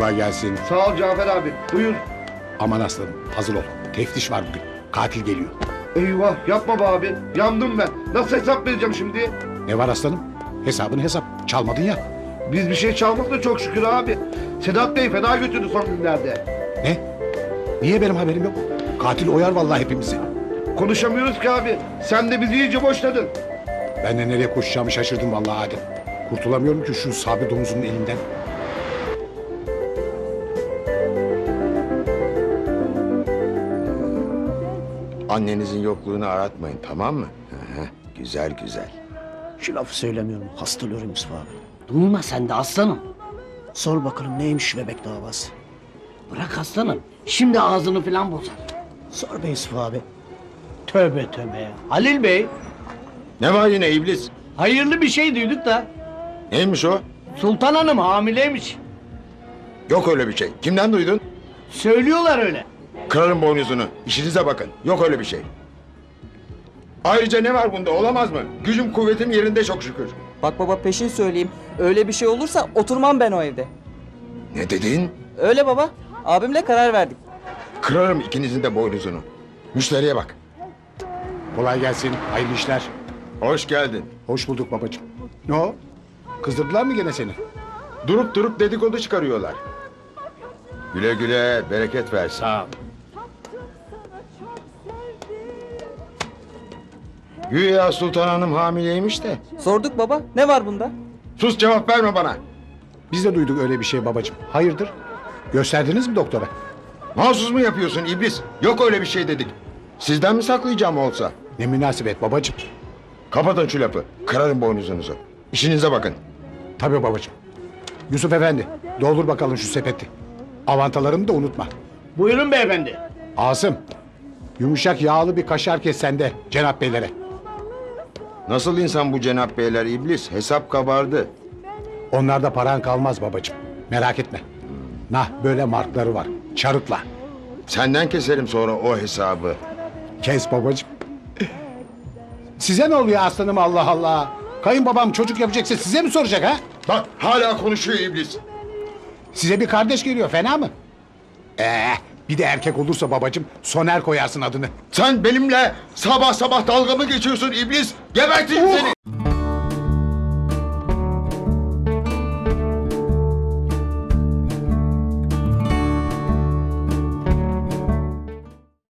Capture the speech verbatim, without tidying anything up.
Kolay gelsin. Sağ ol Cafer abi. Buyur. Aman aslanım hazır ol. Teftiş var bugün. Katil geliyor. Eyvah yapma be abi. Yandım ben. Nasıl hesap vereceğim şimdi? Ne var aslanım? Hesabın hesap. Çalmadın ya. Biz bir şey çalmadık da çok şükür abi. Sedat Bey fena götürdü son günlerde. Ne? Niye benim haberim yok? Katil oyar vallahi hepimizi. Konuşamıyoruz ki abi. Sen de bizi iyice boşladın. Ben de nereye koşacağımı şaşırdım vallahi Adem. Kurtulamıyorum ki şu Sabri domuzunun elinden. Annenizin yokluğunu aratmayın, tamam mı? Hı hı, güzel güzel. Şu lafı söylemiyorum. Hastalıyorum Yusuf abi. Durma sen de aslanım. Sor bakalım neymiş şu bebek davası. Bırak aslanım. Şimdi ağzını falan bozar. Sor be Yusuf abi. Tövbe tövbe ya. Halil Bey, Ne var yine iblis? hayırlı bir şey duyduk da. Neymiş o? Sultan Hanım hamileymiş. Yok öyle bir şey. Kimden duydun? Söylüyorlar öyle. Kırarım boynuzunu. İşinize bakın. Yok öyle bir şey. Ayrıca ne var bunda? Olamaz mı? Gücüm kuvvetim yerinde çok şükür. Bak baba peşin söyleyeyim. Öyle bir şey olursa oturmam ben o evde. Ne dedin? Öyle baba. Abimle karar verdik. Kırarım ikinizin de boynuzunu. Müşteriye bak. Kolay gelsin. Hayırlı işler. Hoş geldin. Hoş bulduk babacığım. Ne o? Kızdırdılar mı gene seni? Durup durup dedikodu çıkarıyorlar. Güle güle bereket versin. Sağ ol. Güya Sultan Hanım hamileymiş de. Sorduk baba. Ne var bunda? Sus, cevap verme bana. Biz de duyduk öyle bir şey babacığım. Hayırdır? Gösterdiniz mi doktora? Mahsus mu yapıyorsun iblis? Yok öyle bir şey dedik. Sizden mi saklayacağım olsa? Ne münasebet babacığım. Kapatın şu lafı. Kırarım boynuzunuzu. İşinize bakın. Tabii babacığım. Yusuf efendi doldur bakalım şu sepeti. Avantalarını da unutma. Buyurun beyefendi. Asım. Yumuşak yağlı bir kaşar kes sende Cenap beylere. Nasıl insan bu Cenap Beyler iblis? Hesap kabardı. Onlarda paran kalmaz babacığım. Merak etme. Nah böyle markları var. Çarıkla. Senden keserim sonra o hesabı. Kes babacığım. Size ne oluyor aslanım Allah Allah. Kayınbabam çocuk yapacaksa size mi soracak ha? Bak hala konuşuyor iblis. Size bir kardeş geliyor fena mı? Ee, bir de erkek olursa babacığım Soner koyarsın adını. Sen benimle sabah sabah dalga mı geçiyorsun iblis? Geberteyim seni.